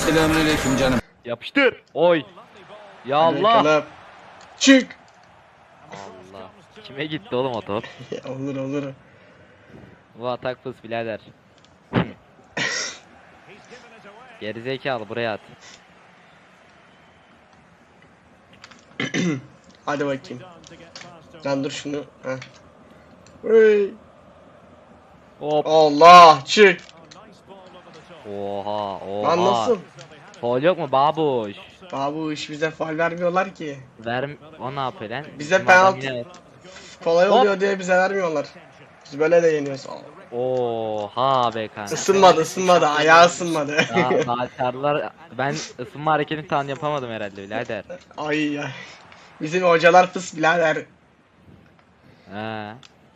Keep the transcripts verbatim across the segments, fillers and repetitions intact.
Selamünaleyküm canım. Yapıştır. Oy. Ya Allah. Bakalım. Çık. Allah. Kime gitti oğlum o top? Olur olur. Bu atak fıs birader. Gerizekalı buraya at. Hadi bakayım. Lan dur şunu. Heh. Hey. Hop. Allah çık. Oha oha. Lan nasıl? Faul yok mu babuş? Abi iş bize faul vermiyorlar ki. Ver o ne yapıyor lan? Bize Bizim adam penaltı- yine- Kolay Hop. oluyor diye bize vermiyorlar. Biz böyle de yeniyoruz. Oha be kanka. Isınmadı ısınmadı. Ayağı ısınmadı. Daha, daha çarlar. Ben ısınma hareketini tam yapamadım herhalde birader. Ay ya. Bizim hocalar fıs birader. He.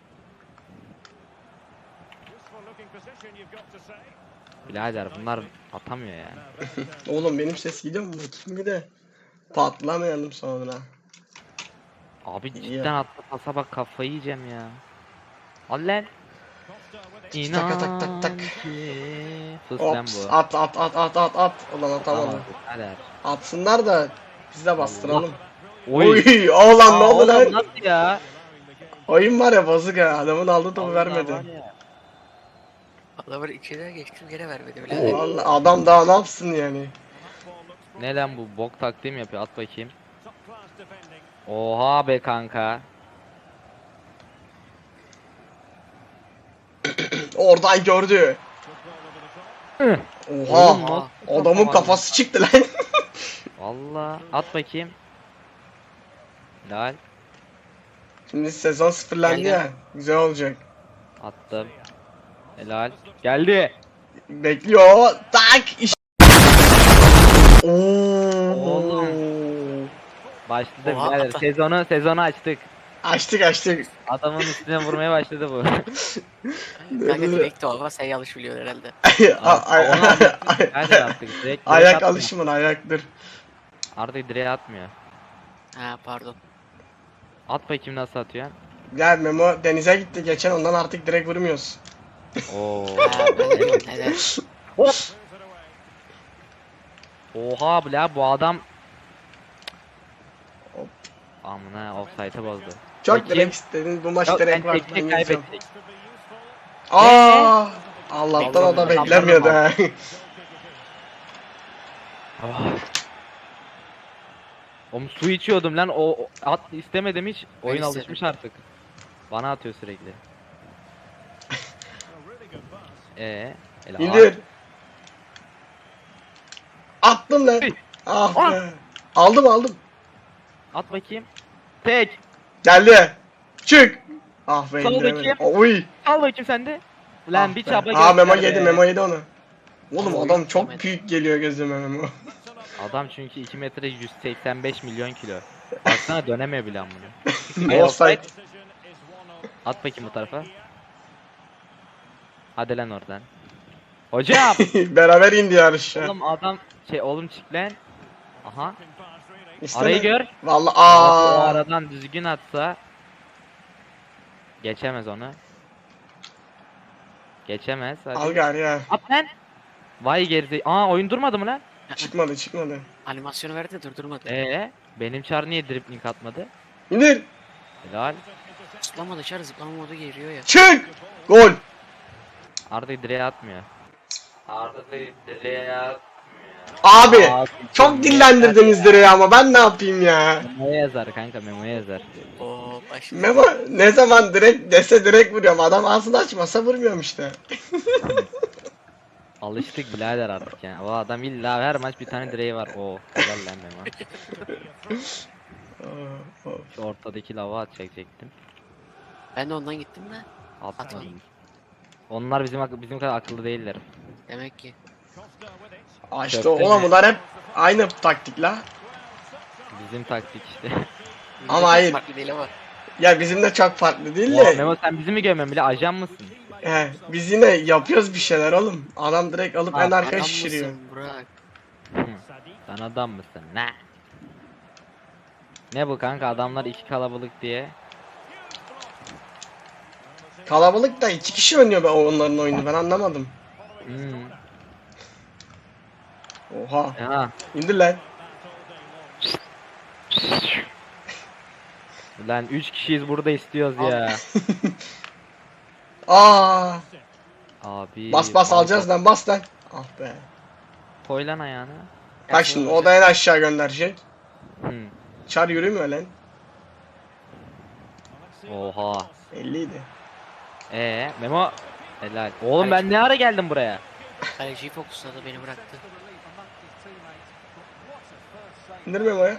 Birader bunlar atamıyor yani. Oğlum benim ses gidiyor mu? Bakayım bir de. Patlamayalım sonra. Abi İyi cidden ya. attı pasa bak kafayı yiyeceğim ya. Al lan. Tak tak tak tak. ki. Sus lan Ops bu. at at at at at at. Ulan atamadım. Birader. Atsınlar da biz de bastıralım. Oy. Oy oğlan ne Aa, oldu oğlum lan? nasıl ya? Oyun var ya bozuk ha. Adamın aldığı topu Allah vermedi. var ya. Adamı içeri geçtim gene vermedi bile. Vallahi adam daha ne yapsın yani? Ne lan bu bok taktiği mi yapıyor? At bakayım. Oha be kanka. Oradan gördü. Hı. Oha. Oğlum, nasıl Adamın kapamadı? kafası çıktı lan. Valla at bakayım. Lal Şimdi sezon sıfırlandı Geldi. ya. Güzel olacak. attım. Helal. Geldi. Bekliyor. Tak. İş. Oo. Oğlum. Başladı Oha, birader. ata. Sezonu sezonu açtık. Açtık açtık. Adamın üstüne vurmaya başladı bu. Kanka direkt o ama sen yanlış biliyorsun herhalde. A- ay- Onu aldık. ay- Nereden attık? Direkt, direkt Ayak atmıyor. alışımın ayaktır. Artık direğe atmıyor. Ha pardon. At bakayım nasıl atıyor. Gel Memo denize gitti geçen ondan artık direkt vurmuyoruz. Oo. Ha ben de neden? Hop. Oha bla bu adam. Hop. Amına offside'ı bozdu. Çok Bakayım. direkt istedin bu maç Yok direkt ben var. tek Ben tek yeneceğim. kaybettik. Aa! Allah'tan o da Beklemedim. beklemiyordu ha. Ah. Oğlum su içiyordum lan o o- at istemedim hiç. Oyun istedim. alışmış artık. Bana atıyor sürekli. Ee, hele İndir. Attım lan. Hey. Ah Ah. be. Aldım aldım. at, at bakayım. Tek. Geldi. Çık. Ah be Sol indiremedim. bakayım. Uy. Al bakayım sen de. Lan Ah bir be. çaba Aa Memo göster yedi be. Memo yedi onu. Oğlum Oy, adam çok yemedi. büyük geliyor gözüme Memo. Adam çünkü iki metre yüz seksen beş milyon kilo. Baksana dönemiyor bile amına. Offside. At bakayım bu tarafa. Hadi lan oradan. Hocam. Beraber indi yarışa. Oğlum adam şey oğlum çık lan. Aha. İşte Arayı ne? gör. Vallahi O aa. aradan düzgün atsa geçemez onu. Geçemez. Hadi. Al gari ya. At lan. Vay geride. Aa oyun durmadı mı lan? Çıkmadı çıkmadı. Animasyonu verdi de durdurmadı. Ee, benim çar niye dribbling atmadı? İndir. Helal. Zıplama dışarı zıplama modu geliyor ya. Çık. Gol. Arda direğe atmıyor. Arda direğe atmıyor. Abi. Aa, Çok dillendirdiniz direği ama ben ne yapayım ya? Memo'ya yazar kanka memoya yazar. Oo başladı. Memo ne zaman direkt dese direkt vuruyorum. Adam ağzını açmasa vurmuyorum işte. Alıştık birader artık yani. O adam illa her maç bir tane direği var. Oo helal lan Memo. Aa, of. Şu ortadaki lava atacaktım. Ben de ondan gittim de. Atmadım. Onlar bizim ak- bizim kadar akıllı değiller. Demek ki. Aa işte Köfte oğlum mi? bunlar hep aynı taktik la. Bizim taktik işte. Ama Çok hayır. Farklı değil ama. Ya bizim de çok farklı değil Oha, de. Memo sen bizi mi görmüyorsun bile ajan mısın? He, biz yine yapıyoruz bir şeyler oğlum. Adam direkt alıp Ha, en arkaya Adam şişiriyor. mısın Burak? Hı. Sen adam mısın? Ne? Ne bu kanka adamlar iki kalabalık diye. Kalabalık da iki kişi oynuyor be onların oyunu ben anlamadım. Hmm. Oha. Aha. İndir lan. Lan üç kişiyiz burada istiyoruz ya. Aa. Abi. Bas bas bal alacağız top. lan, bas lan. Ah be. Koy lan ayağını. Bak şimdi o da en aşağı gönderecek. Hı. Çar yürümüyor lan. Oha. elliydi. Ee Memo. Helal. Oğlum ben ne ara geldim buraya? Kaleciyi fokusladı, beni bıraktı. İndir Memo'ya.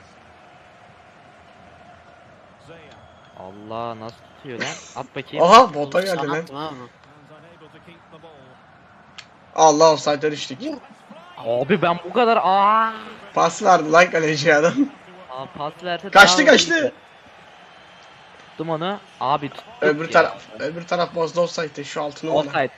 Allah nasıl tutuyor lan? At bakayım. Aha bota geldi Sana lan. attım abi. Allah, offside'e düştük. Abi ben bu kadar aa. Pas verdi lan kaleci adam. Aa pas verse Kaçtı daha kaçtı. iyiydi. Tuttum onu. Abi tuttuk Öbür ya. taraf öbür taraf bozdu offside'ı, şu altını ona. Offside.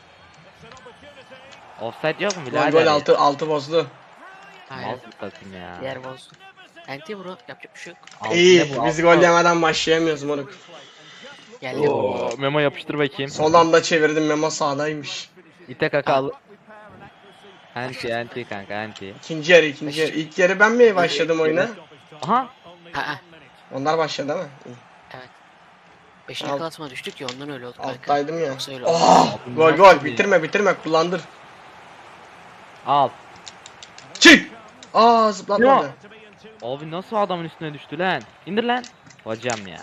Offside yok mu Gol birader? gol altı altı bozdu. Aynen. Nasıl takım ya? Diğer bozdu. Enti bro, yapacak bir şey yok. Altı İyi, ne bu, biz altı gol mı? yemeden başlayamıyoruz moruk. Geldi. Oo, Memo yapıştır bakayım. Son anda çevirdim, Memo sağdaymış. İte kakal. Anti anti kanka anti. İkinci yarı ikinci yarı. İlk yarı ben mi başladım oyuna? Aha. Ha ha. Onlar başladı ama. Evet. Beşinci Alt- klasma düştük ya, ondan öyle oldu kanka. Alttaydım ya. Yoksa öyle oldu. Oh, gol gol, bitirme bitirme, kullandır. Al. Çık. Aa, zıplatmadı. Abi nasıl adamın üstüne düştü lan? İndir lan. Hocam ya.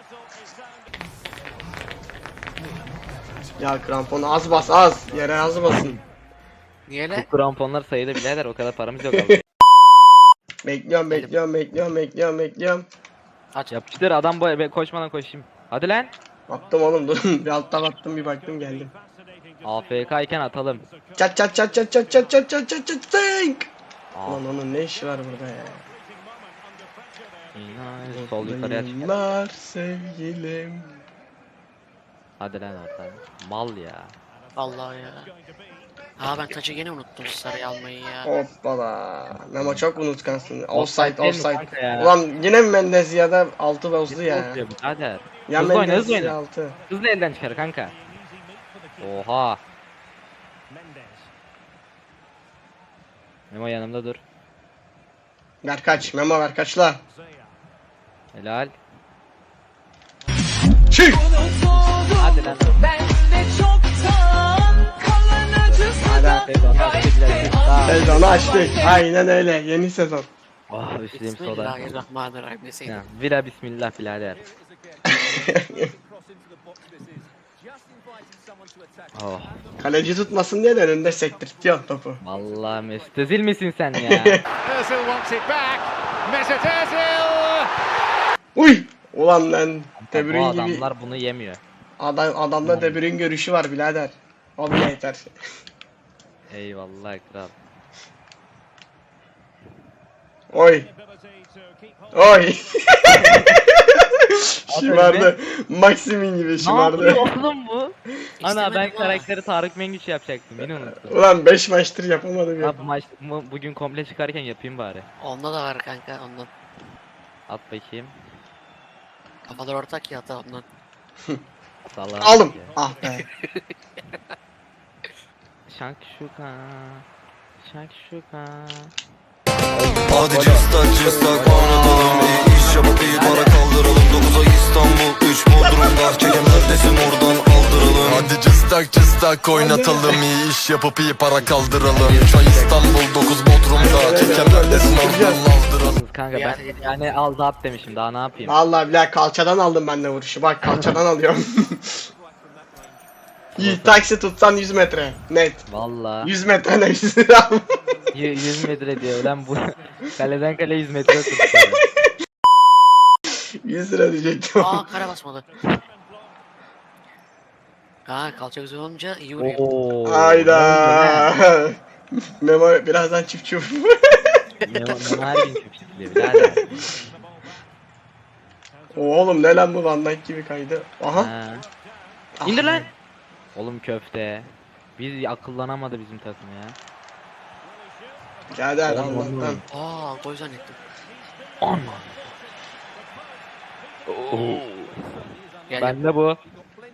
Ya kramponu az bas az. Yere az basın. Niye Bu le? kramponlar sayıda birader, o kadar paramız yok abi. Bekliyorum bekliyorum bekliyorum bekliyorum bekliyorum. Aç. Yapıştır adam bu ben koşmadan koşayım. Hadi lan. Attım oğlum, dur. Bir alttan attım, bir baktım geldim. A F K iken atalım. Çat çat çat çat çat çat çat çat çat çat tink. Aa, Lan onun ne işi var burada ya? inan, sol yukarıya çık. Yıllar sevgilim. Hadi lan oradan. Mal ya. Vallahi ya. Aa, ben taçı gene unuttum sarıyı almayı ya. Hoppala. Memo çok unutkansın. Offside Offside değil mi offside. kanka ya? Ulan yine mi Mendez ya da altı bozdu ya. Hızlı birader. Ya Hızlı oyna, Mendez hızlı oyna. ya altı. Hızlı elden çıkar kanka. Oha. Memo yanımda dur. Ver kaç. Memo ver kaçla. Helal. Çık. Hadi lan. Hadi. Sezonu açtık. Aynen öyle. Yeni sezon. Oh üstüm soda. Bismillahirrahmanirrahim Ya, deseydim. Vira bismillah birader. Oh. Kaleci tutmasın diye de önünde sektirtiyor topu. Vallahi Mesut Özil misin sen ya? Özil wants it back. Mesut Özil. Uy. Ulan lan. Bu De Bruyne gibi. adamlar bunu yemiyor. Adam, adamda De Bruyne görüşü var birader. O bile yeter. Eyvallah kral. Oy. Oy. Şımardı. Maximin gibi Ne şımardı. yapıyor oğlum bu? Ana ben İstemedim ha. karakteri Tarık Mengüç yapacaktım, yine unuttum. Ulan beş maçtır yapamadım ya. Ha, bu maç bu- bugün komple çıkarken yapayım bari. Onda da var kanka, ondan. At bakayım. Kafalar ortak ya, hatta ondan. Salak Aldım. ya. Ah be. Şakşuka. Şakşuka. Hadi cıstak cıstak oynatalım, iyi iş yapıp iyi para kaldıralım. Dokuza İstanbul, üç Bodrum'da, çekem neredesin oradan aldıralım. Hadi cıstak cıstak oynatalım, iyi iş yapıp iyi para kaldıralım. Üç ay İstanbul, dokuz Bodrum'da, çekem neredesin oradan aldıralım. Kanka Ya, ben ya. yani al da at demişim, daha ne yapayım? Vallahi billahi kalçadan aldım ben de vuruşu. Bak kalçadan alıyorum. Yiğit taksi tutsan yüz metre. Net. Vallahi yüz metre ne yüz lira. y- yüz metre diyor lan bu. Kaleden kale yüz metre tuttu. yüz lira diyecektim. Aa, kara basmadı. Ha, kalça güzel olunca iyi vuruyor. Oo. Hayda. Memo birazdan çift çift. Memo Memo her gün çöpçükliyor birader. Oğlum ne lan bu, Van Dijk gibi kaydı. Aha. Ha. Ah İndir be. lan. Oğlum köfte. Biz akıllanamadı bizim takım ya. Geldi hadi Oğlum, oğlum. Allah'tan. Aa, gol zannettim. Aman. Gel Ben de bu.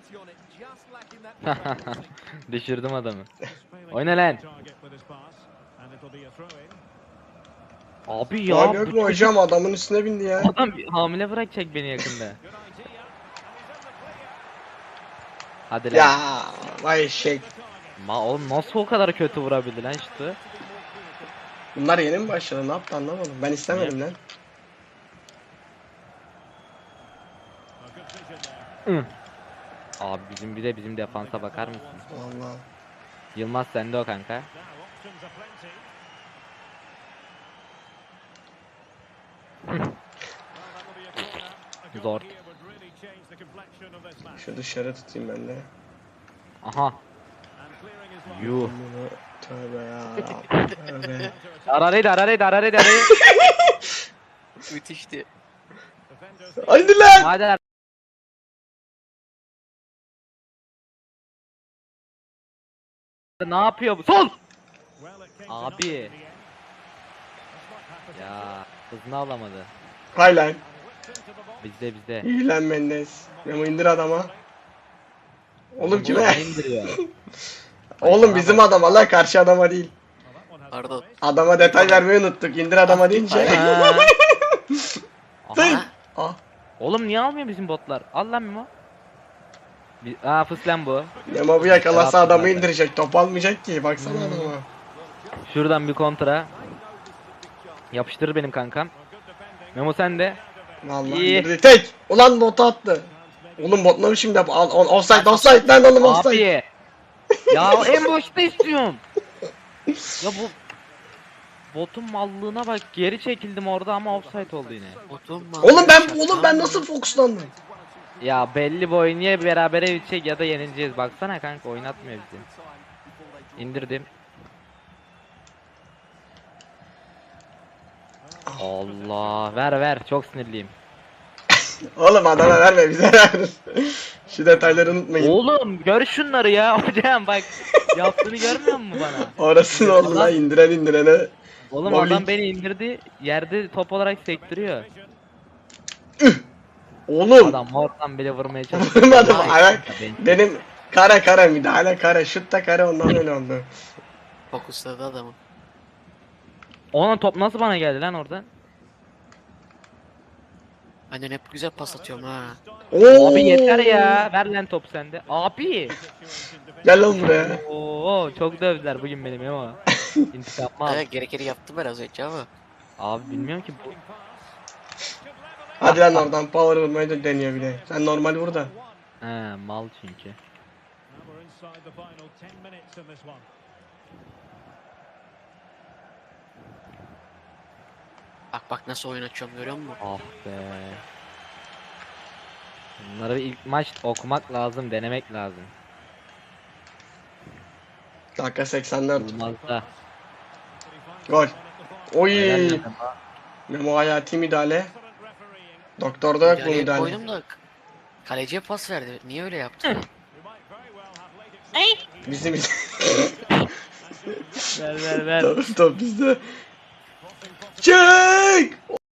Düşürdüm adamı. Oyna lan. Abi ya. Abi yok bu mu hocam, adamın üstüne bindi ya. Adam bir- hamile bırakacak beni yakında. Hadi lan. Ya vay eşek. Ma oğlum nasıl o kadar kötü vurabildi lan işte. Bunlar yeni mi başladı, ne yaptı anlamadım. Ben istemedim lan. Hı. Abi bizim bir de bizim defansa bakar mısın? Vallahi. Yılmaz sende o kanka. Zor. Şu dışarı tutayım ben de. Aha. Yuh. Bunu tövbe ya. Tövbe. Araraydı araraydı araraydı araraydı. Müthişti. Haydi lan. Hadi. Ne yapıyor bu? Sol! Abi. Ya hızını alamadı. Hay lan. Bizde bizde. İyi lan Mendes. Memo indir adama. Oğlum kime? Bana indiriyor. Oğlum bizim adam, Allah karşı adama değil. Pardon. Adama detay vermeyi unuttuk. İndir adama deyince. Ha. Aha. Ah. Oğlum niye almıyor bizim botlar? Al lan Mimo. Bir... Aa fıslan bu. Memo bu yakalasa Yaptı adamı zaten. indirecek. Top almayacak ki. Baksana adama. Şuradan bir kontra. Yapıştırır benim kankam. Memo sen de. Vallahi İyi. indirdi. Tek. Ulan botu attı. Oğlum bot ne biçim yap? Al, al, offside offside lan oğlum offside. Abi. Ya en başta istiyorum. Ya bu botun mallığına bak, geri çekildim orada ama offside oldu yine. Oturma. Oğlum ben oğlum ben nasıl fokuslandım? Ya belli bu oyun ya berabere bitecek ya da yenileceğiz. Baksana kanka oynatmıyor bizi. İndirdim. Allah ver ver, çok sinirliyim. Oğlum adama verme, bize ver. Şu detayları unutmayın. Oğlum gör şunları ya hocam, bak yaptığını görmüyor musun bana? Orası ne oldu lan, indiren indirene. Oğlum Bowling. adam beni indirdi, yerde top olarak sektiriyor. Oğlum. Adam oradan bile vurmaya çalışıyor. Vurmadım Ay, ayak. ben- Benim kara kara müdahale kara, şut da kara, ondan öyle oldu. Fokusladı adamı. Onun top nasıl bana geldi lan oradan? Annen hep güzel pas atıyorum ha. Oo. Abi yeter ya, ver lan top sende. Abi. Gel lan buraya. Oo çok dövdüler bugün benim ama. İntikam al. Evet, gerekeni yaptım biraz önce ama. Abi bilmiyorum ki bu. Hadi lan oradan power vurmayı da deniyor bir de. Sen normal vur da. He mal çünkü. Bak bak nasıl oyun açıyorum, görüyor musun? Ah be. Bunları ilk maç okumak lazım, denemek lazım. Dakika seksen dört. Olmaz da. Gol. Oy. Helal lan. Memo hayati müdahale. Doktorda yok bu Yani müdahale. koydum da kaleciye pas verdi. Niye öyle yaptı? Bizim Ver ver ver. top, top bizde. Çık.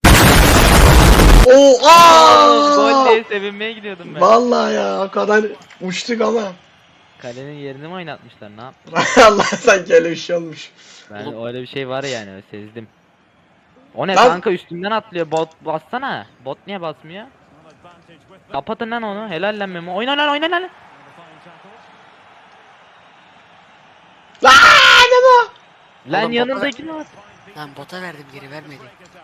Oo, aa! Gol diye sevinmeye gidiyordum ben. Vallahi ya, o kadar uçtuk ama. Kalenin yerini mi oynatmışlar, ne yaptı? Allah, sanki öyle bir şey olmuş. Ben öyle bir şey var yani, öyle sezdim. O ne Lan- kanka, üstümden atlıyor, bot bassana. Bot niye basmıyor? Kapatın lan onu, helal lan Memo. Oyna lan, oyna lan. Lan ne bu? Lan Oğlum, yanındaki ne var? Lan bota verdim, geri vermedi.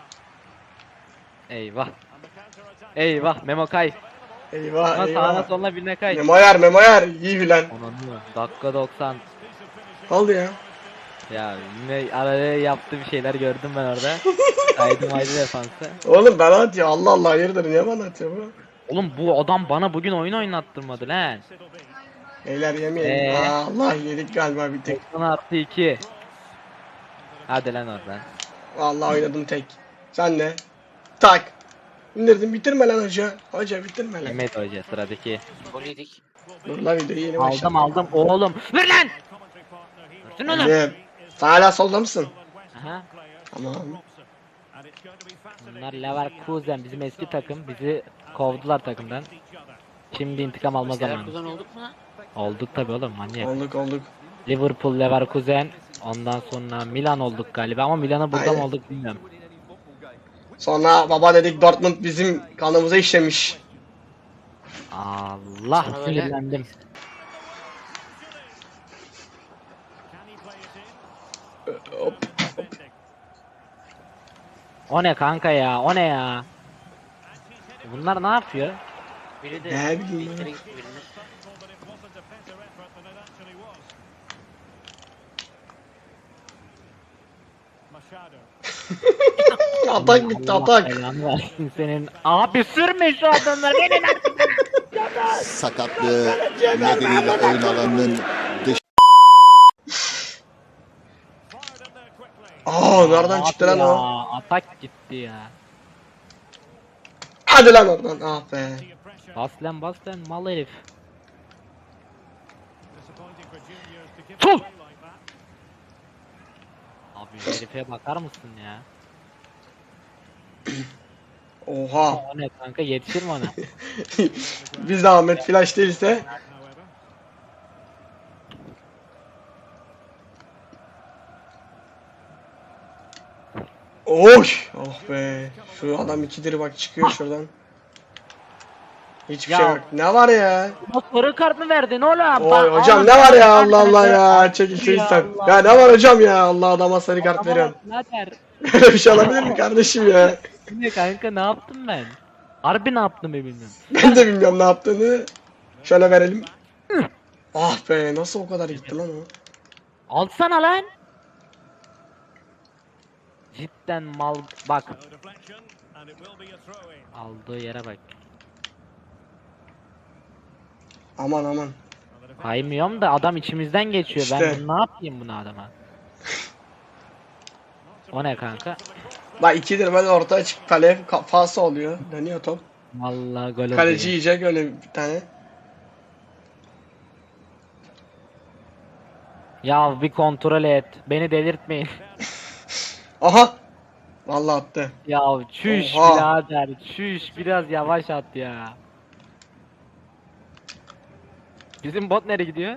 Eyvah. Eyvah Memo kay. Eyvah Ama sağına eyvah. soluna birine kay. Memo yer, Memo yer. İyi bilen. Onanı. Dakika doksan. Oldu ya. Ya yine araya yaptığı bir şeyler gördüm ben orada. Kaydım aydı defansı. Oğlum bana atıyor. Allah Allah, hayırdır, niye bana atıyor bu? Oğlum bu adam bana bugün oyun oynattırmadı lan. Beyler yemeyelim. Ee? Aa, Allah, yedik galiba bir tek. doksan artı iki. Hadi lan oradan. Vallahi oynadım tek. Sen ne? Tak. İndirdim, bitirme lan hoca. Hoca bitirme lan. Mehmet Hoca sıradaki. Gol yedik. Dur lan, videoyu yeni Aldım başladım. aldım oğlum. Ver lan. Versene oğlum. Geldim. Sen hala solda mısın? Aha. Tamam. Bunlar Leverkusen, bizim eski takım, bizi kovdular takımdan. Şimdi intikam alma Bizler zamanı. kuzen olduk mu? Olduk tabi oğlum, manyak. Olduk olduk. Liverpool, Leverkusen, Ondan sonra Milan olduk galiba ama Milan'a burada mı Aynen. olduk bilmiyorum. Sonra baba dedik Dortmund bizim kanımıza işlemiş. Allah Sana böyle- sinirlendim. Hop. O ne kanka ya? O ne ya? Bunlar ne yapıyor? Biri de Ne bileyim bir ya. kere gitti birine. Atak bitti Allah atak. belanı versin senin. Abi sürme şu adamları. Benim sakatlığı nedeniyle oyun alanının dış Aa nereden çıktı lan o? Atak gitti ya. Hadi lan oradan. Ah be. Bas lan bas lan mal herif. Tut! Abi herife bakar mısın ya? Oha. O ne kanka yetişir mi ona? Biz de Ahmet Flash değilse. Oy! Oh be. Şu adam ikidir bak çıkıyor şuradan. Hiçbir Ya. şey yok. Ne var ya? Bu sarı kart mı verdin oğlum? Oy Bak, hocam oğlum, ne var ya sarı Allah kart Allah verdi. ya. Çekil çekil Ya sen. Allah. Ya ne var hocam ya? Allah adama sarı kart Adama veriyorsun. bak, birader. Böyle bir şey olabilir mi kardeşim ya? Bu ne kanka ne yaptım ben? Harbi ne yaptım ben bilmiyorum. Ben de bilmiyorum ne yaptığını. Şöyle verelim. Ah be nasıl o kadar gitti lan o? Alsana lan. Cidden mal bak. Aldığı yere bak. Aman aman. Kaymıyorum da adam içimizden geçiyor. İşte. Ben bunu ne yapayım bunu adama? O ne kanka? Bak ikidir böyle ortaya çık kale kafası oluyor. Dönüyor top. Vallahi gol Kaleci oluyor. yiyecek öyle bir tane. Ya bir kontrol et. Beni delirtmeyin. Aha. Vallahi attı. Ya çüş Oha. birader. Çüş biraz yavaş at ya. Bizim bot nereye gidiyor?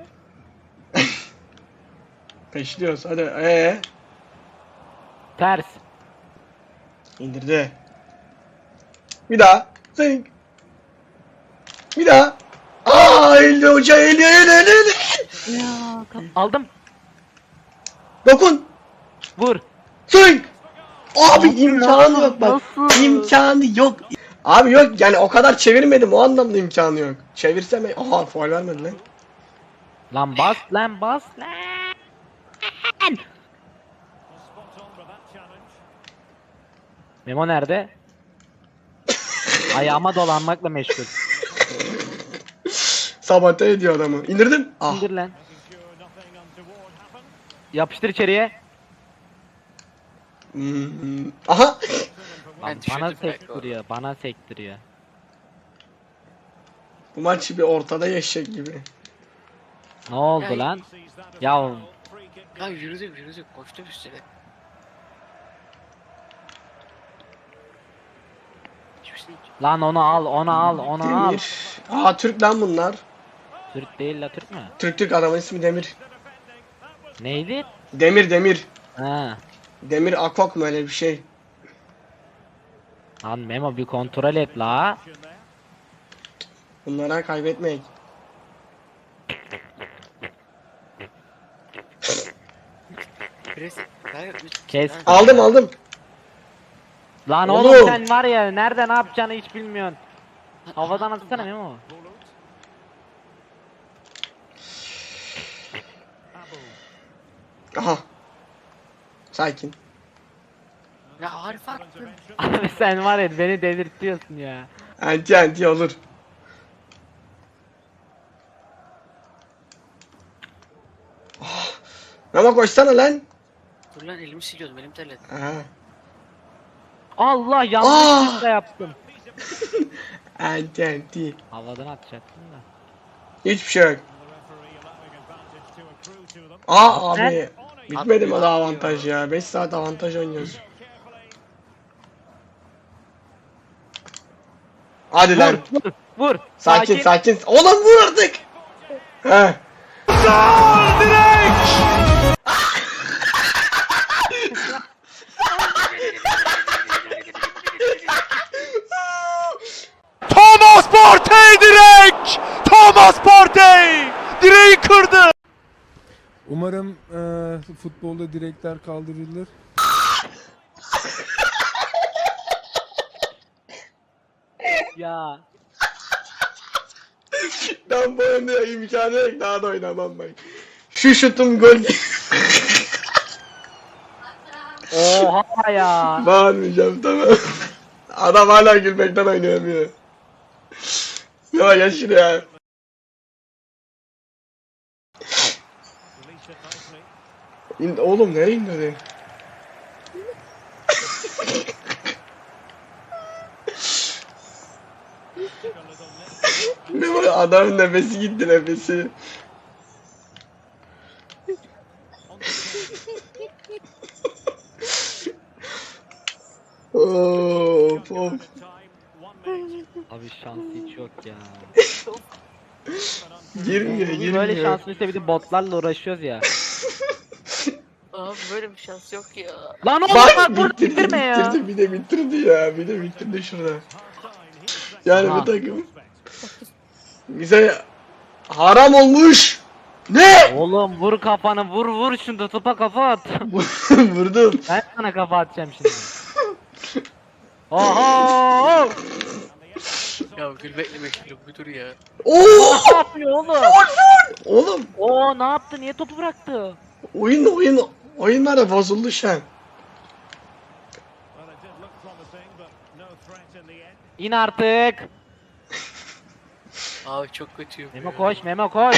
Peşliyoruz hadi. Ee. Ters. İndirdi. Bir daha. Zing. Bir daha. Aa eğildi hoca eğildi eğildi eğildi. Ya, kap- aldım. Dokun. Vur. Swing. Abi Nasıl, imkanı nasıl, yok bak. nasıl? İmkanı yok. Abi yok yani o kadar çevirmedim o anlamda imkanı yok. Çevirsem aha faul vermedi lan. Lan bas lan bas lan. Memo nerede? Ayağıma dolanmakla meşgul. Sabote ediyor adamı. İndirdim. Ah. İndir lan. Yapıştır içeriye. Hmm. Aha. Lan Ben bana düşürdüm belki sektiriyor, bana sektiriyor. Bu maç bir ortada yaşayacak gibi. Ne oldu Ya- lan? Ya Ya yürüdük yürüdük koştum üstüne. Hiçbir lan onu al, onu al, onu al. Demir. Aa Türk lan bunlar. Türk değil la Türk mü? Türk Türk adamın ismi Demir. Neydi? Demir Demir. Ha. Demir Akok mu öyle bir şey. Lan Memo bir kontrol et la. Bunlara kaybetmek. Pres. Hayır, üç- Kes. Ha, Aldım aldım. Lan Oğlum. oğlum sen var ya nerede ne yapacağını hiç bilmiyorsun. Havadan atsana Memo. Aha. Sakin. Ya harf attın. Abi sen var ya beni delirtiyorsun ya. Anti anti olur. Oh. Ama koşsana lan. Dur lan elimi siliyordum elim terledi. Aha. Allah Aa! yanlışlıkla yaptım. Anti anti. Havadan atacaktım da. Hiçbir şey yok. Aa abi. Bitmedi mi daha avantaj ya? beş saat avantaj oynuyoruz. Hadi lan. Vur, vur. Sakin sakin. Oğlum vur artık. He. Direği kırdı. Umarım eee, futbolda direkler kaldırılır. Ya. Ben bu oyunda imkanı yok, daha da oynamam ben. Şu şutum gol. Oha ya. Bağırmayacağım, tamam. Adam hala gülmekten oynayamıyor. Ya gel şuraya. İn, oğlum nereye indirdin? Ne var, adamın nefesi gitti, nefesi. Of of. Abi şans hiç yok ya. Girmiyor, girmiyor. Böyle şansın işte bir de botlarla uğraşıyoruz ya. Abi böyle bir şans yok ya. Lan oğlum Bak bak burada bitirdi, bitirme ya. bitirdi, bir de bitirdi ya, bir de bitirdi şurada. Yani Aha. bu takım bize haram olmuş. Ne? Oğlum vur kafanı vur vur şunu topa kafa at. Vurdum. Ben sana kafa atacağım şimdi. Oho! Ya gülmekle meşgulüm bir dur ya. Oo! Ne yapıyor oğlum? Oğlum Oo ne yaptı? Niye topu bıraktı? oyun oyun oyunlar da bozuldu şu an. İn artık. Abi çok kötüyüm. Memo koş, Memo koş.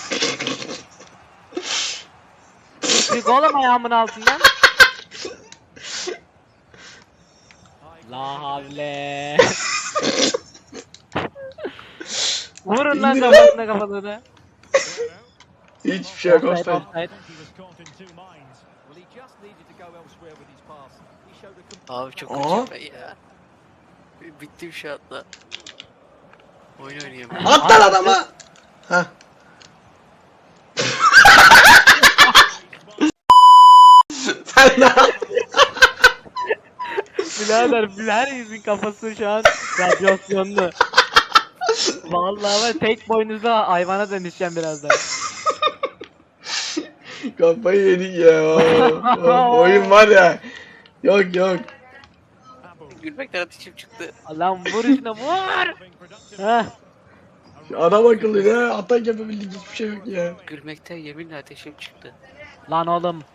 Çık oğlum ayağımın altından. La havle. Vurun lan İndir lan. kafasına kafasına. Hiçbir şey yok, Offside, offside. offside. Abi çok Aa. kötüyüm ben ya. Bittim şu anda. Oyun oynayamıyorum. At lan adama. Hah. Sen ne yaptın? Birader herkesin kafası şu an radyasyonlu. Vallahi ben tek boynuzlu hayvana dönüşeceğim birazdan. Kafayı yedik ya. Oh, oyun var ya. Yok yok. Gülmekten ateşim çıktı. Lan vur şuna vur. Heh. Adam akıllı ya. Atak yapabildik, hiçbir şey yok ya. Gülmekten yeminle ateşim çıktı. Lan oğlum.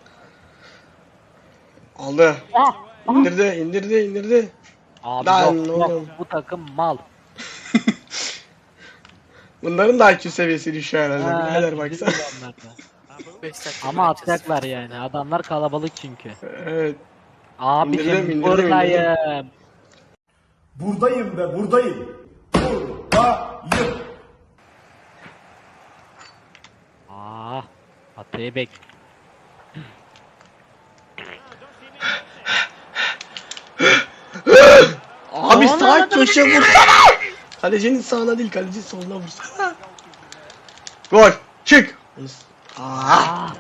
Aldı. Ah. İndirdi, indirdi, indirdi. Abi Lan yok, oğlum. yok bu takım mal. Bunların da I Q seviyesi düşüyor herhalde. Ha, Birader baksana. bizim onlar da. beş dakika Ama bırakacağız. atacaklar yani. Adamlar kalabalık çünkü. Evet. Abicim İndirdim, indirdim, buradayım. Buradayım be buradayım. Buradayım. Ah, Atayı bek. Abi Aman sağ Allah'ım, köşe vursana. Kalecinin sağına değil, kalecinin soluna vursana. Gol. Çık. Aa, Ah.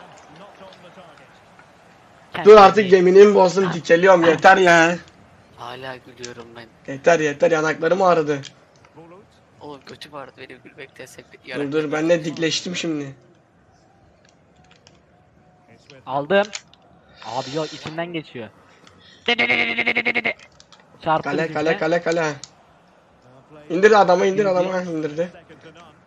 dur artık, yeminimi bozdum, dikeliyorum, yeter ya. Hala gülüyorum ben. Yeter yeter, yanaklarım ağrıdı. Oğlum kötü vardı benim gülmekten sebep. Dur dur, ben de dikleştim şimdi. Aldım. Abi yok içinden geçiyor. Çarptı Kale bizimle. kale kale kale. İndir adamı, indir adamı, indirdi.